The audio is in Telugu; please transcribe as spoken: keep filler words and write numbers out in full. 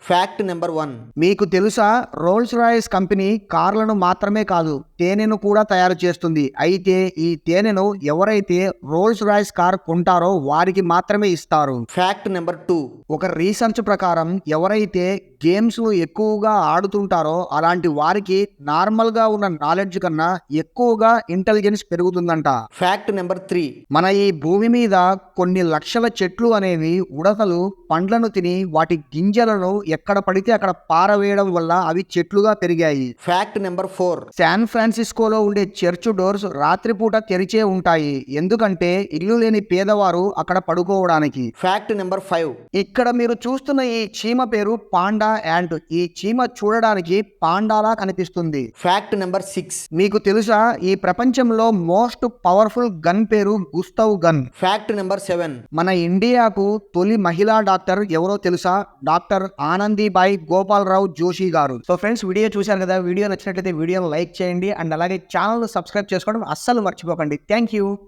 Fact number one. మీకు తెలుసా, రోల్స్ రాయిస్ కంపెనీ కార్లను మాత్రమే కాదు తేనెను కూడా తయారు చేస్తుంది. అయితే ఈ తేనెను ఎవరైతే రోల్స్ రాయిస్ కార్ కొంటారో వారికి మాత్రమే ఇస్తారు. Fact number two. ఒక రీసెర్చ్ ప్రకారం ఎవరైతే గేమ్స్ ఎక్కువగా ఆడుతుంటారో అలాంటి వారికి నార్మల్ గా ఉన్న నాలెడ్జ్ కన్నా ఎక్కువగా ఇంటెలిజెన్స్ పెరుగుతుందంట. Fact number three. మన ఈ భూమి మీద కొన్ని లక్షల చెట్లు అనేవి ఉడతలు పండ్లను తిని వాటి గింజలను ఎక్కడ పడితే అక్కడ పారవేయడం వల్ల అవి చెట్లుగా పెరిగాయి. Fact number four. శాన్ ఫ్రాన్సిస్కోలో ఉండే చర్చ్ డోర్స్ రాత్రిపూట తెరిచే ఉంటాయి, ఎందుకంటే ఇల్లు లేని పేదవారు అక్కడ పడుకోవడానికి. Fact number five. ఇక్కడ మీరు చూస్తున్న ఈ చీమ పేరు పాండా యాంట్. ఈ చీమ చూడడానికి పాండాలా కనిపిస్తుంది. Fact number six. మీకు తెలుసా, ఈ ప్రపంచంలో మోస్ట్ పవర్ఫుల్ గన్ పేరు Gustav gun. Fact number seven. మన ఇండియాకు తొలి మహిళా డాక్టర్ ఎవరో తెలుసా? డాక్టర్ ఆనందీబాయి గోపాలరావు జోషి గారు. సో ఫ్రెండ్స్, వీడియో చూశారు కదా, వీడియో నచ్చినట్లయితే వీడియోని లైక్ చేయండి అండ్ అలాగే ఛానల్ సబ్స్క్రైబ్ చేసుకోవడం అస్సలు మర్చిపోకండి. Thank you.